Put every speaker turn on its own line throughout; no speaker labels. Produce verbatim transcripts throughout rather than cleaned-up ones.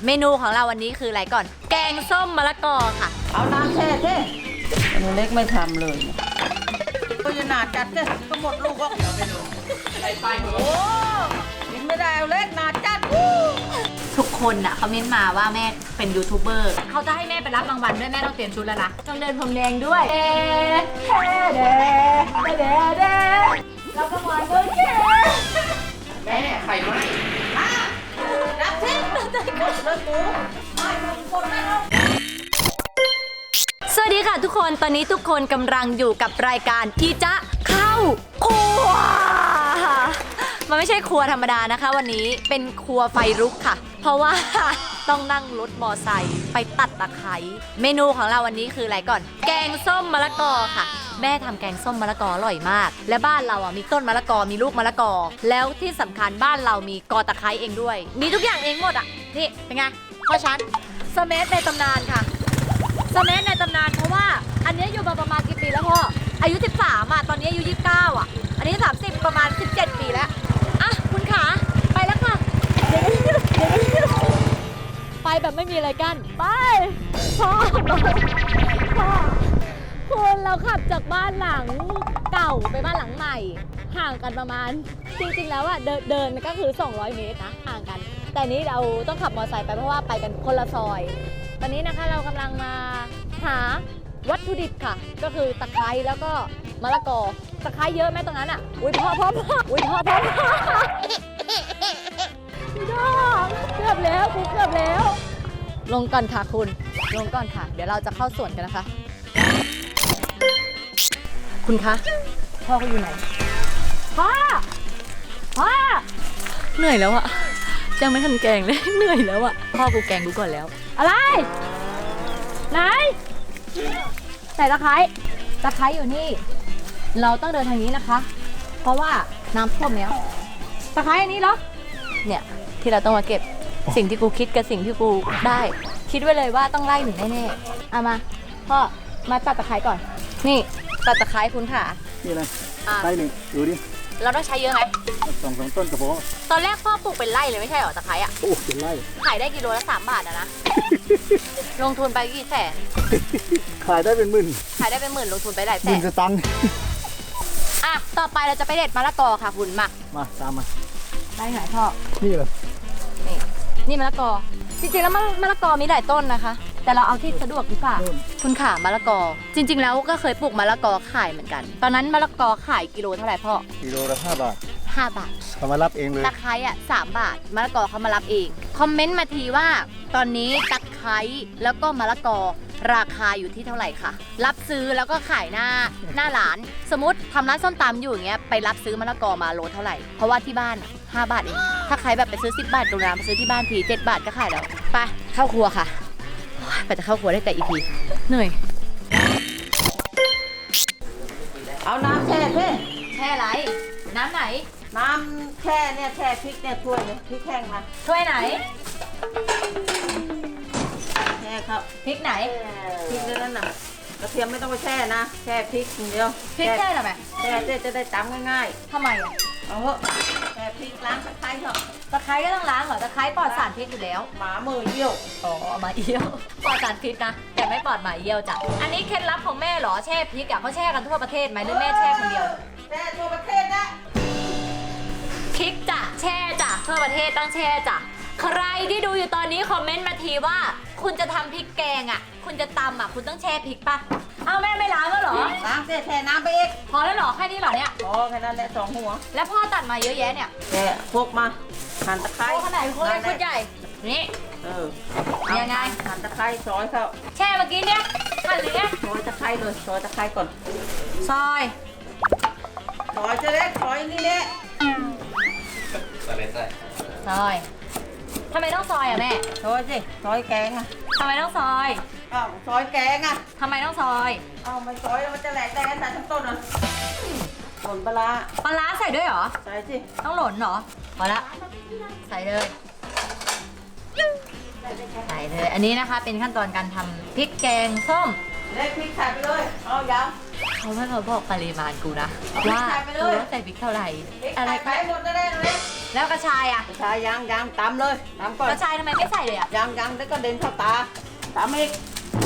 เมนูของเราวันนี้คืออะไรก่อนแกงส้มมะละกอค่ะ
เอาน้ำแช่เท่หนูเล็กไม่ทำเลยก็จะหนาจัดเท่ก็หมดลูกก็ไปดูไปไปโอ้กินไม่ได้เอาเล็กหนาจัด
ทุกคนน่ะเขาเม้นมาว่าแม่เป็นยูทูบเบอร์เขาจะให้แม่ไปรับรางวัลด้วยแม่ต้องเตรียมชุดแล้วนะต้องเดินพรมแดงด้วยเด้เด้เด้เด้รับรางวัลด้วย
แม่ไข่ไหมรับเท่หมดเลยกูไม่หมดคนไม่เอา
สวัสดีค่ะทุกคนตอนนี้ทุกคนกำลังอยู่กับรายการที่จะเข้าครัวมันไม่ใช่ครัวธรรมดานะคะวันนี้เป็นครัวไฟลุกค่ะเพราะว่าต้องนั่งรถมอไซค์ไปตัดตะไคร้เมนูของเราวันนี้คืออะไรก่อนแกงส้มมะละกอค่ะแม่ทำแกงส้มมะละกออร่อยมากและบ้านเราอ่ะมีต้นมะละกอมีลูกมะละกอแล้วที่สำคัญบ้านเรามีกอตะไคร้เองด้วยมีทุกอย่างเองหมดอ่ะนี่เป็นไงพ่อฉันสเมธในตำนานค่ะสเมธในตำนานเพราะว่าอันนี้อยู่มาประมาณกี่ปีแล้วพ่ออายุสิบสามอ่ะตอนนี้อายุยี่สิบเก้าอ่ะอันนี้สามสิบประมาณสิบเจ็ดปีแล้วอ่ะคุณขาไปแล้วค่ะไปแบบไม่มีอะไรกันไปพ่อพ่อคุณเราขับจากบ้านหลังเก่าไปบ้านหลังใหม่ห่างกันประมาณจริงๆแล้วอ่ะเดินเดินก็คือสองร้อยเมตรนะห่างกันแต่นี้เราต้องขับมอเตอร์ไซค์ไปเพราะว่าไปกันคนละซอยตอนนี้นะคะเรากำลังมาหาวัตถุดิบค่ะก็คือตะไคร้แล้วก็มะละกอตะไคร้เยอะไหมตรงนั้นอ่ะอุ้ยพ่อพ่อพ่ออุ้ยพ่อพ่อพ่อพี่ดอกเกือบแล้วกูเกือบแล้วลงก่อนค่ะคุณลงก่อนค่ะเดี๋ยวเราจะเข้าสวนกันนะคะคุณคะพ่อเขาอยู่ไหนพ่อพ่อเหนื่อยแล้วอะยังไม่ทันแกงเลยเหนื่อยแล้วอะพ่อกูแกงกูก่อนแล้วอะไรไหนใส่ตะไคร้ตะไคร้อยู่นี่เราต้องเดินทางนี้นะคะเพราะว่าน้ำท่วมแล้วตะไคร้อันนี้เหรอเนี่ยที่เราต้องมาเก็บสิ่งที่กูคิดกับสิ่งที่กูได้คิดไว้เลยว่าต้องไล่หนูแน่ๆเอามาพ่อมาตัดตะไคร้ก่อนนี่ตัดตะไคร้คุณค่ะ
นี่อะไรไร่หนึ่งดูดิ
เราต้องใช้เยอะไหม
สองสองต้นกระโปง
ตอนแรกพ่อปลูกเป็นไร่เลยไม่ใช่หรอตะไคร้อ่ะ
โอ้เป็นไร่
ขายได้กิโลละสามบาทอะนะ ลงทุนไปกี่แสน
ขายได้เป็นหมื่น
ขายได้เป็นหมื่นลงทุนไปหลายแสน
หมื่นสตังค์
อ่ะต่อไปเราจะไปเด็ดมะละกอค่ะคุณมา
มาตามมา
ได้ไหนพ่อ
นี่เหรอ
นี่นี่มะละกอจริงๆแล้วมะละกอมีหลายต้นนะคะแต่เราเอาที่สะดวกดีกว่าคุณขามะละกอจริงๆแล้วก็เคยปลูกมะละกอขายเหมือนกันตอนนั้นมะละกอขายกิโลเท่าไหร่พ่อ
กิโลละห้าบาท
ห้าบาท
เขามารับเองเลย
ตะไคร้อ่ะสามบาทมะละกอเขามารับเองคอมเมนต์มาทีว่าตอนนี้ตะไคร้แล้วก็มะละกอราคาอยู่ที่เท่าไหร่คะรับซื้อแล้วก็ขายหน้าหน้าร้านสมมติทำร้านส้มตำอยู่อย่างเงี้ยไปรับซื้อมะละกอมาโลเท่าไหร่เพราะว่าที่บ้านห้าบาทเองถ้าใครแบบไปซื้อสิบบาทโรงแรมไปซื้อที่บ้านทีเจ็ดบาทก็ขายแล้วไปเข้าครัวค่ะไปจะเข้าครัวได้แต่อีพีเหนื่อย
เอาน้ำแช่เท่
แช่ไรน้ำไหน
น้ำแช่เนี่ยแช่พริกเนี่ยถ้วยเนี่ยพริกแห้งมา
ถ้วยไหน
แช่ครับ
พริกไหน
พริกนั่นน่ะกระเทียมไม่ต้องไปแช่นะแช่พริกอย่างเดียว
พริกแช่ทำไม
แช่เจ๊จะได้ตำง่าย
ๆทำไมอ่ะ
เอาเถอะแช่พริกล้างตะไคร้เถอะ
ตะไคร้ก็ต้องล้างเหรอตะไคร้ปลอดสารพิษอยู่แล้ว
หมามือเยี่ยว
อ๋อหมาเยี่ยวปลอดสารพิษนะแต่ไม่ปลอดหมาเยี่ยวจ้ะอันนี้เคล็ดลับของแม่เหรอแช่พริกอ่ะเขาแช่กันทั่วประเทศไหมหรือแม่แช่คนเดียว
แช่ทั่วประเทศนะ
พริกจ้ะแช่จ้ะทั่วประเทศต้องแช่จ้ะใครที่ดูอยู่ตอนนี้คอมเมนต์มาทีว่าคุณจะทำพริกแกงอ่ะคุณจะตำอ่ะคุณต้องแช่พริกป่ะเอาแม่ไม่ล้างก็หรอ
ล้างเสร็จแช่น้ำไปอีก
พอแล้วหรอแค่นี้หรอเนี่ย
พอแค่นั้นแหละสองหัว
แล้วพ่อตัดมาเยอะแยะเนี่ย
แช่พกมาหั่นตะไคร้
ขนาดคนเล็กคนใหญ่นี่
เออ
ยังไง
หั่นตะไคร้ซอยเข้า
แช่เมื่อกี้เนี่ยหั่นเลยเนี่ย
ซอยตะไคร้เลยซอยตะไคร้ก่อน
ซอย
ซอยจะเล็กซอยนี่แหละ
ซอยซอยทำไมต้องซอยอ่ะแม่
ซอยสิซอยแกงอ่ะ
ทำไมต้องซอย
อ้าวซอยแกงอ่ะ
ทำไมต้องซอย
อ้าวไม่ซอยมันจะแหลกได้กันแต่ทั้งต้นอ่ะหล่นปลา
ปลาใส่ด้วยเหรอ
ใส่สิ
ต้องหล่นเหรอพอละใส่เลยใส่เลยอันนี้นะคะเป็นขั้นตอนการทำพริกแกงส้ม
เล็กพริกใส่ไปเลยเอายัง
เขาไม่มาบอกปริมาณกูนะ ว่า
ใส่ไปเลย
กูต้องใส่พริกเท่าไหร่
พริก
อะไร
ใส่ไปหมดเลยเล็ก
แล้วกระชายอ่ะ
ใช่ยังยังตำเลยตำก่อน
กระชายทำไมไม่ใส่เลยอ่ะ
ยังยังแล้วก็เด่นเข้าตาตำอีก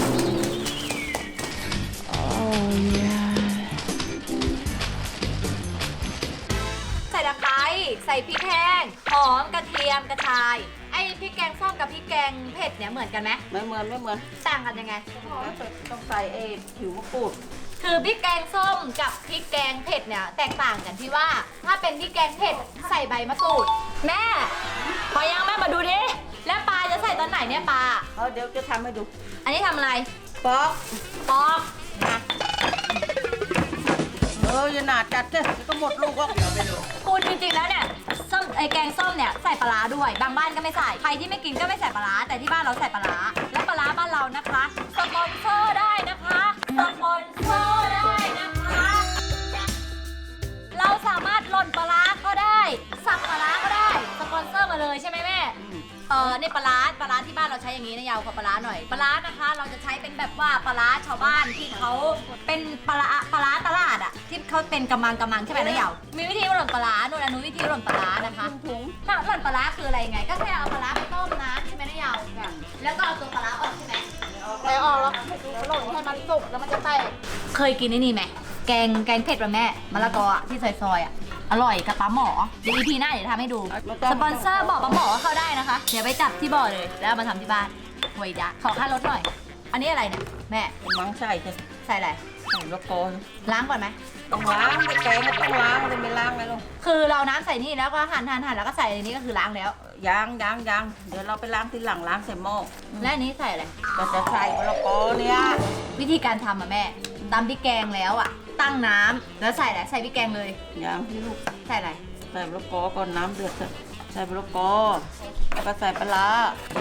ใส่ตะไคร้ใส่พริกแห้งหอมกระเทียมกระชาย ไอ้พริกแกงส้มกับพริกแกงเผ็ดเนี่ยเหมือนกันไหม
ไม่เหมือนไม่เหมือน
ต่างกันยังไง
ต้องใส่เอผิวมะกรูด
คือพริกแกงส้มกับพริกแกงเผ็ดเนี่ยแตกต่างกันที่ว่า ถ้าเป็นพริกแกงเผ็ดใส่ใบมะกรูด แม่พอยังแม่มาดูดิแล้วปลาจะใส่ตอนไหนเนี่ยปลา
เอาเดี๋ยวจะทำให้ดู
อันนี้ทำอะไร
ปอก
ปอกนะ
เอออย่าหนาจัดเลยก็หมดลูกก็เดี๋ยวไปดู
คุณจริงๆแล้วเนี่ยส้มไอแกงส้มเนี่ยใส่ปลาร้าด้วยบางบ้านก็ไม่ใส่ใครที่ไม่กินก็ไม่ใส่ปลาร้าแต่ที่บ้านเราใส่ปลาร้าและปลาร้าบ้านเรานะคะสปอนเซอร์ได้นะคะสปอนเซอร์ได้นะคะ เราสามารถหล่นปลาร้าก็ได้สับปลาร้าก็ได้สปอนเซอร์มาเลยใช่ไหมแม่ เออในปลาร้าปลาร้าที่บ้านเราใช้อย่างนี้นะยาวกว่าปลาร้าหน่อยปลาร้านะคะ เราจะใช้เป็นแบบว่าปลาร้าชาวบ้านที่เขาเป็นปลาร้าปลาร้าตลาดอะที่เขาเป็นกำมังกำมังใช่ไหมนะยาวมีวิธีหล่นปลาร้าโน่นอนุวิธีหล่นปลาร้านะคะ
ถุง
ถ้าหล่นปลาร้าคืออะไรยังไง ก็แค่เอาปลาร้าไปต้มน้ำใช่ไหมนะยาวแล้วก็เอาตัวปลาร้าออกใช่ไหม
แต่ออกแล้วหล่นให้มันสุกแล้วมันจะแตก
เคยกินไอ้นี่ไหมแกงแกงเผ็ดป่ะแม่มะละกออะที่ซอยๆอะอร่อยกับปลาหมอเดี๋ยวอีพีหน้าเดี๋ยวทำให้ดูสปอนเซอร์บอกปลาหมอเข้าได้นะคะ เดี๋ยวไปจับที่บ่อเลยแล้วเอามาทำที่บ้านหวยดะขอค่ารถหน่อย อันนี้อะไรเนี่ยแม่
เป็นมังใส่ใช่
ใส่อะไร
ใส่ละกอน
ล้างก่อนไหม
ต้องล้างไม่แกงก็ต้องล้างเลยไม่ล้างไงลูก
คือเราน้ำใส่นี่แล้วก็หั่นหั่นหั่นแล้วก็ใส่ในนี้ก็คือล้างแล้ว
ยางยางยางเดี๋ยวเราไปล้างทีหลังล้างใส่หม้อ
และอันนี้ใส่อะไร
ก็จะใส่มะละกอเนี่ย
วิธีการทำอะแม่ตำพริกแกงแล้วอะตั้งน้ำแล้วใส่อะไรใส่พริกแกงเลย
ยางที่ลูก
ใส่อะไร
ใส่มะละกอก่อนน้ำเดือดเสร็จใส่มะละกอแล้วก็ใส่ปลาร้า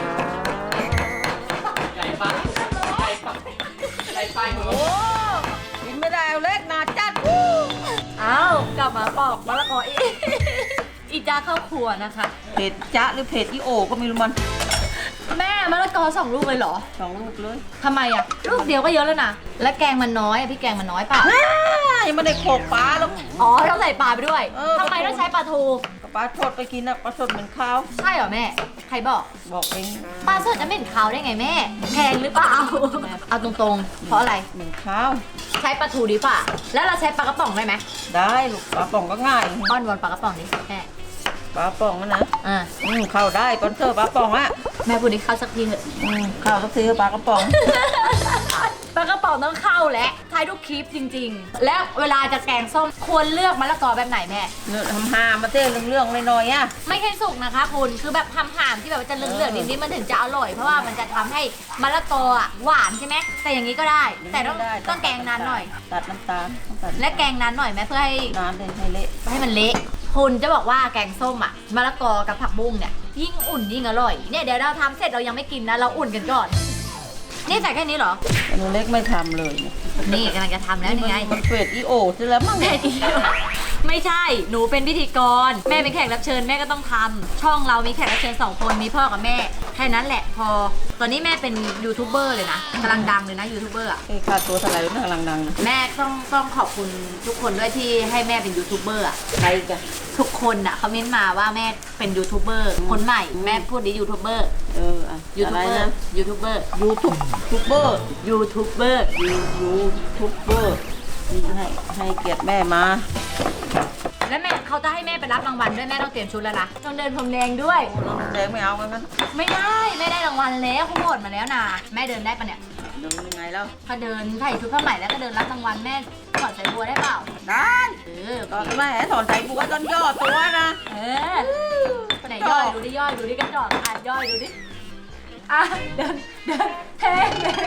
ใหญ่ปังใหญ่ปังใหญ่ไปหมด
โอ้กินไม่ได้เอาเล็กหนาจัด
อ้าวกลับมาปอกมะละกออีก อีจ้าเข้าครัวนะคะ
เผ็ดจ๊ะหรือเผ็ดอีโอก็ไม่รู้มัน
แม่มะละกอสองลูกเลยเหรอ
สองลูกเลย
ทำไมอะลูกเดียวก็เยอะแล้วนะและแกงมันน้อยอะพี่แกงมันน้อยเปล่า
อ้ายังไม่ได้โขลกปลาแล้ว
อ๋อต้องใส่ปลาไปด้วย
เออ
ทำไมต้องใช้ปลาทู
กับปลาสดไปกินนะปลาสดเหมือนข้าว
ใช่เหรอแม่ ใครบอก
บอกเอง
ปลาสดจะไม่เห็นขาวได้ไงแม่แพงหรือเปล่า เอาตรงๆ เพราะอะไร
เหมือนข้าว
ใช้ปลาทูดีกว่าแล้วเราใช้ปลากระป๋องได้ไหม
ได้ลูกปลาป่องก็ง่าย
ป้อนวอนปลากระป๋องนี้แม่
ปลาป่องอะนะ
อ่า
อืมเข้าได้ปอนเซอร์ปลาป่องอะ
แม่พูดนี้เข้าสักทีเถอะ
อืมเข้าก็ซื้อปลากระป๋อง
ปลากระป๋องต้องเข้าและทายทุกคลิปจริงๆ แล้วเวลาจะแกงส้มควรเลือกมะละกอแบบไหนแม่
เนื้อทำหามาเต้เรื่องๆหน่อยๆอะ
ไม่ใช่สุกนะคะคุณคือแบบทำห่ามที่แบบว่าจะเหลืองๆนิดๆมันถึงจะอร่อยเพราะว่ามันจะทำให้มะละกออะหวานใช่ไหมแต่อย่างนี้ก็ได้ แต่ต้อง
ได้
ต้องแกงนานหน่อย
ตัดน้ำตาลต้องตัด
และแกงนานหน่อยไหมเพื่อให้
นานเลยให้เละ
ให้มันเละคุณจะบอกว่าแกงส้มอะมะละกอกับผักบุ้งเนี่ยยิ่งอุ่นยิ่งอร่อยเนี่ยเดี๋ยวเราทำเสร็จเรายังไม่กินนะเราอุ่นกันก่อน นี่ใส่แค่นี้เหรอ
แต่หนูเล็กไม่ทำเลยเนี่ย
นี่กำลังจะทำแล้วนี่ไง
มันเฟดอีโอซะแล้วมั้ง
แม่ดีไม่ใช่ หนูเป็นพิธีกร แม่เป็นแขกรับเชิญแม่ก็ต้องทำช่องเรามีแขกรับเชิญสองคนมีพ่อกับแม่แค่นั้นแหละพอ ตอนนี้แม่เป็นยูทูบเบอร์เลยนะกำลังดังเลยนะยูทูบเบอร์อะ
เอ้ยค่าตัวเท่าไหร่นะกำลังดังนะ
แม่ต้องต้องขอบคุณทุกคนด้วยที่ให้แม่เป็นยูทูบเบอร์อะ
ใครกัน
ทุกคนอะเขาเม้นมาว่าแม่เป็นยูทูบเบอร์คนใหม่แม่พูดดิยูทูบเบอร์
เอออะ
ยู
อะ
ทูบ
ไร
เบอ
นะ
ร์ยูทูบเบอร์
ยูทูบทูบเบอร์
ยูทูบเบอร์
ยูยูทูบเบอร์นี่ให้ให้เกียรติแม่มา
แล้วแม่เขาจะให้แม่ไปรับรางวัลด้วยแม่ต้องเตรียมชุดแล้วนะต้องเดินพรมแดงด้วย
โอ้เราแดงไม่เอากันนั้น
ไม่ได้ไม่ได้รางวัลแล้วเขาโหวตมาแล้วนะแม่เดินได้ปะเนี่ย
เดินยังไงแล้ว
ถ้าเดินใส่ชุดผ้าใหม่แล้วก็เดินรับรางวัลแม่ถอดสายบัวได้เปล่า
ได้
เออ
ตอนแม่ถอนสายบัวตอนย่อตัวนะ
เออไหนย่อยดูดิย่อยดูดิกระจอกอ่ะย่อยดูดิอ่ะเดินเดินเท่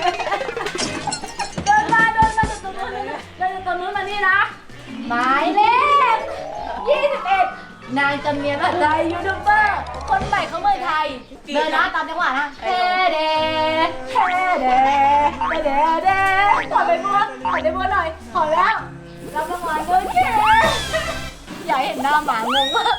เดินมาเดินมาจากตรงนู้นเดินจากตรงนู้นมานี่นะหมายเลขยี่สิบเอ็ดนางจำเนียนอะไรยูทูบเบอร์คนใหม่ของเมืองไทยเดินนะตามจังหวะนะเท่เดเท่เดเท่เดขอไปบัวขอไปบัวหน่อยขอแล้วรับรางวัลด้วยเท่อยากเห็นหน้าหมางงมาก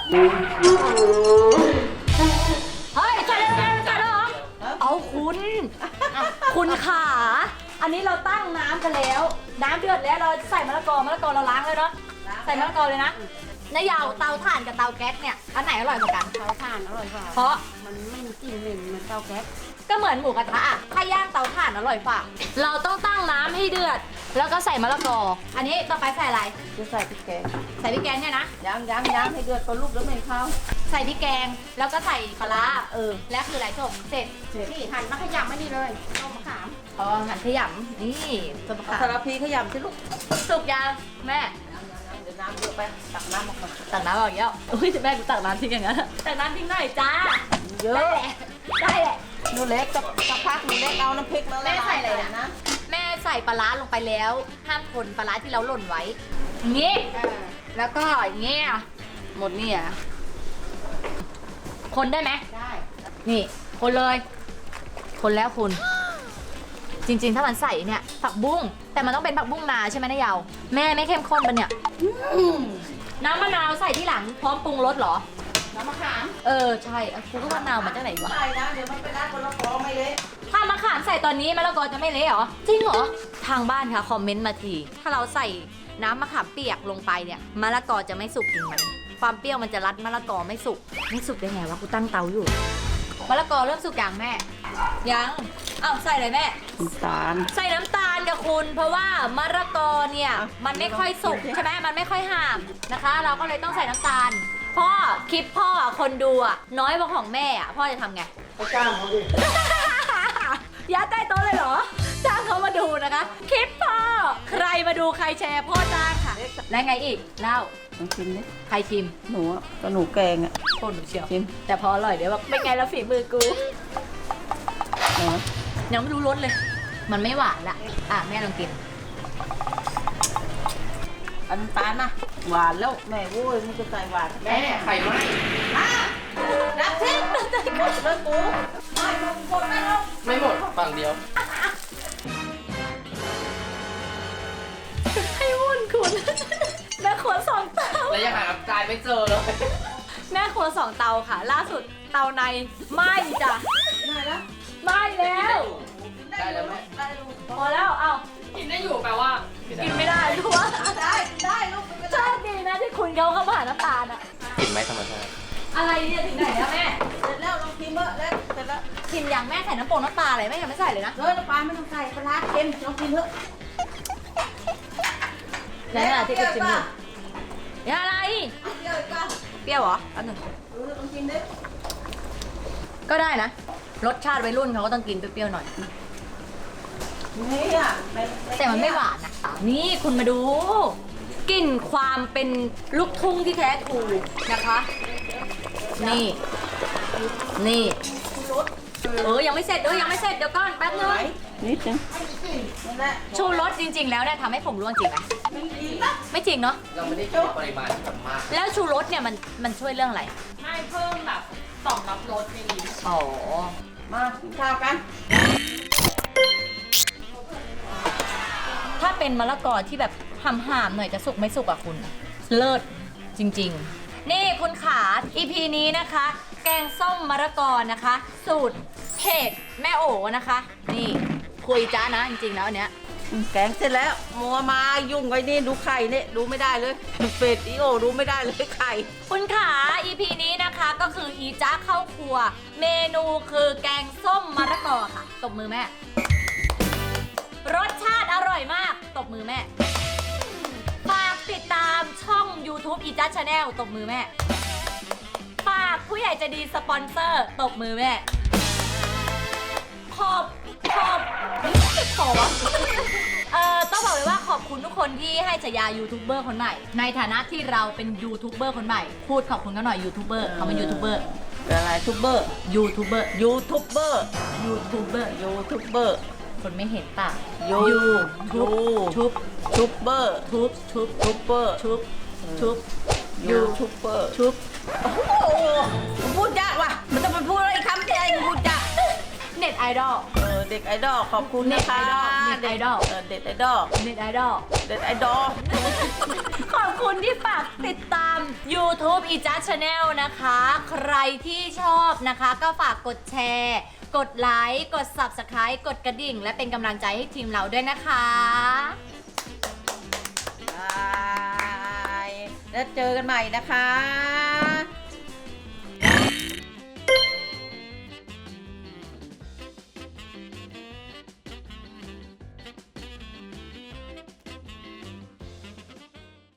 เฮ้ยใช่แล้วใช่แล้วเหรอเอาคุณอ่ะคุณขาอันนี้เราตั้งน้ำกันแล้ว น้ำเดือดแล้วเราใส่มะละกอมะละกอเราล้างเลยเนาะใส่มะละกอเลยนะนายาวเตาถ่านกับเตาแก๊สเนี่ยอันไหนอร่อยกว่ากัน
เตาถ่านอร่อยกว่า
เพราะ
มันไม่มีกลิ่นเหม็นเหมือนเตาแก๊ส
ก็เหมือนหมูกระทะอะถ้าย่างเตาถ่านอร่อยฝ่าเราต้องตั้งน้ำให้เดือด แล้วก็ใส่มะละกอ อันนี้ต่อไปใส่อะไร
จะใส่พริกแกง
ใส่พริกแกงเนี่ยนะ
ย่างย่างย่างให้เดือดพอลูกแล้วไม่เข้า
ใส่พริกแกง แล้วก็ใส่ปลาร้าเออ แล้วคืออะไรจบเสร็จ
นี่หั่นมะขยำไม่นี่เลยต้มมะขาม
อ๋อหั่นขยำนี่ต้มมะ
เอา
ขาม
สารพีขยำสิลูก
สุกยังแม่
เดี๋ยวน้ำเยอะไปตักน้ำออกมา
ตักน้ำออกเยอะอุ้ยแม่กูตักน้ำทิ้งอย่างนั้นตักน้ำทิ้งหน่อยจ้า
เย
ได้
อะ
แหละได้แหละ
หนูเล็กกับสักพักหนูเล็กเอาน้ำพริกมาละลาย
แม่ใส่อะไรนะ แม่ใส่ปลาร้าลงไปแล้ว ห้ามคนปลาร้าที่เราหล่นไว้อย่างงี้
อ่า
แล้วก็อย่างงี้อ่ะหมดนี่อ่ะคนได้ไหม
ได้
นี่คนเลย คนแล้วคุณ จริงๆ ถ้ามันใส่เนี่ยผักบุ้งแต่มันต้องเป็นผักบุ้งนาใช่ไหมนายเยาวแม่ไม่เข้มข้นปะเนี่ย
อืม
น้ำมะนาวใส่ที่หลังพร้อมปรุงรสเหรอ
น้ำมะขาม
เออใช่อ่ะกูก็มะนาวมาจากไหนวะ
ใส่นะเดี๋ยวมันไปได้คนละฟองไม่เละ
ถ้ามะขามใส่ตอนนี้มะละกอจะไม่เละเหรอ จริงเหรอ ทางบ้านค่ะคอมเมนต์มาที ถ้าเราใส่น้ำมะขามเปียกลงไปเนี่ยมะละกอจะไม่สุกจริงไหมความเปรี้ยวมันจะรัดมะละกอไม่สุก ไม่สุกได้ไงวะกูตั้งเตาอยู่มะละกอเริ่มสุกยังแม่ ยังเอ้าใส่เลยแม่
น้ำตาล
ใส่น้ำตาลกับคุณ เพราะว่ามะละกอเนี่ยมันไม่ค่อยสุกใช่ไหมมันไม่ค่อยห่ามนะคะ เราก็เลยต้องใส่น้ำตาลพ่อคลิปพ่ออ่ะคนดูอ่ะน้อยกว่าของแม่อ่ะพ่อจะทำไง
ไปจ้างเขาดิ
ยัดใต้โต๊ะเลยเหรอ จ้างเขามาดูนะคะ คลิปพ่อ ใครมาดูใครแชร์พ่อจ้างค่ะ แล้วไงอีก เล่า
ลองชิมดิ
ใครชิม
หนูอะก็หนูแกงอ่ะ
โคตรหนูเชียว
ชิม
แต่พออร่อยเดี๋ยวบอกเป็นไงแล้วฝีมือกู
เนาะ
ยังไม่รู้รสเลย มันไม่หวานละอ่ะแม่ลองกิน
เอาน้ำตาลมาหวานแล้วแม่โว้ยมันจะใส่หวาน
แม่ไข่ไหม
นับสิหมดเลยกูไม่หมดหมดไม่ลง
ไม่หมดฝั่งเดียว
ให้วุ่นคุณ แม่ครัวสองเตา
แล้วยังหาจานไม่เจอเลย
แม่ครัวสองเตาค่ะ ล่าสุดเตาในไหม้จ้ะ
ได้แล้ว
ไหม้แล้ว
ได้แล้วแม่
ได้ลูก
พอแล้ว เอา
กินได้อยู่แปลว่า
กินไม่ได้รู้ว่า
ได้ได้ลูกไม่
โช
ได้
คดีนะที่คุณเขาเข้ามาหาน้ำตาลอะ
กินไหมธรรมชาติ
อะไรเนี่ยถึงไหนแล้วแม่
เสร็จแล้วลองชิมเถอะแล้วเสร็จแล้ว
ชิมอย่างแม่ใส่น้ำโป่งน้ำปลาอะไรแม่ยังไม่ใส่เลยนะ
เฮ้ยน้ำปลาไม่ต้องใส่ปลาร้าเค็มลองชิมเถอะ
ไหนน่ะที่กูชิมอยู่เนี่ยอะไร
เอาเปรี้ยวอีกป่ะ
เปรี้ยวเหรออันหนึ่ง
เออลองชิมดิ
ก็ได้นะ รสชาติวัยรุ่นเขาก็ต้องกินเปรี้ยวๆหน่อย
นี่อ่ะ
แต่มันไม่หวานนะนี่คุณมาดูกลิ่นความเป็นลูกทุ่งที่แท้ทรูนะคะ นี่ นี่เออยังไม่เสร็จเออยังไม่เสร็จเดี๋ยวก่อนแป๊บนึง
นิดนึงนั่นแหละ
ชูรสจริง ๆ แล้วเนี่ยทำให้ผมร่วงจริงไหม
ไม่ดีนะ
ไม่จริงเนาะ
เราไม่ได้กินปริมาณที่แบบมาก
แล้วชูรสเนี่ยมันมันช่วยเรื่องอะไร
ไม่เพิ่มแบบต่อมรับรสในนี้
อ๋อ
มากินข้าวกัน
ถ้าเป็นมะละกอที่แบบห่ามๆหน่อยจะสุกไม่สุกอะคุณ เลิศจริงๆ นี่คุณขา อี พี นี้นะคะ แกงส้มมะละกอนะคะ สูตรเพจแม่โอนะคะ นี่คุยจ้านะจริงๆแล้วอันเนี้ย
แกงเสร็จแล้วมัวมายุ่งไว้นี่ดูไข่เนี่ยดูไม่ได้เลยเป็ดอีโอดูไม่ได้เลยไข่
คุณขา อี พี นี้นะคะก็คืออีจ้าเข้าครัว เมนูคือแกงส้มมะละกอค่ะ ตบมือแม่ รสชาติอร่อยมาก ตบมือแม่ ฝากติดตามช่อง YouTube อีจ้าชาแนลตบมือแม่ ฝากผู้ใหญ่ใจะดีสปอนเซอร์ตบมือแม่ ขอบขอบขอบเอ่อต้องบอกเลยว่าขอบคุณทุกคนที่ให้ฉายายูทูบเบอร์คนใหม่ ในฐานะที่เราเป็นยูทูบเบอร์คนใหม่ พูดขอบคุณกันหน่อยยูทูบเบอร์เขาเป็นยูทูบเบอร์
อะไรทูบเบอร์
ยูทูบเบอร์
ยูทูบเบอร์
ยูทูบเบอร์
ยูทูบเบอร์
คนไม่เห็นปาก
ยู
ทูบทุบ
ทูบเบอร์
ทุบทุบ
ทูบเบอร์
ทุบทุบ
ยูทูบเบอร์
ทุบ
โอ้โหมันพูดยากว่ะมันจะมาพูดอะไรคำที่ไอ้มันพูดยาก
เน็ตไอดอล
เออเด็กไอดอลขอบคุณนะคะ
เน็ตไอดอล
เเด็กไอดอล
เน็ตไอดอล
เด็กไอดอล
ขอบคุณที่ฝากติดตาม YouTube อีจัสชาแนลนะคะ ใครที่ชอบนะคะ ก็ฝากกดแชร์ กดไลค์ กด Subscribe กดกระดิ่ง และเป็นกำลังใจให้ทีมเราด้วยนะคะ
บายแล้วเจอกันใหม่นะคะ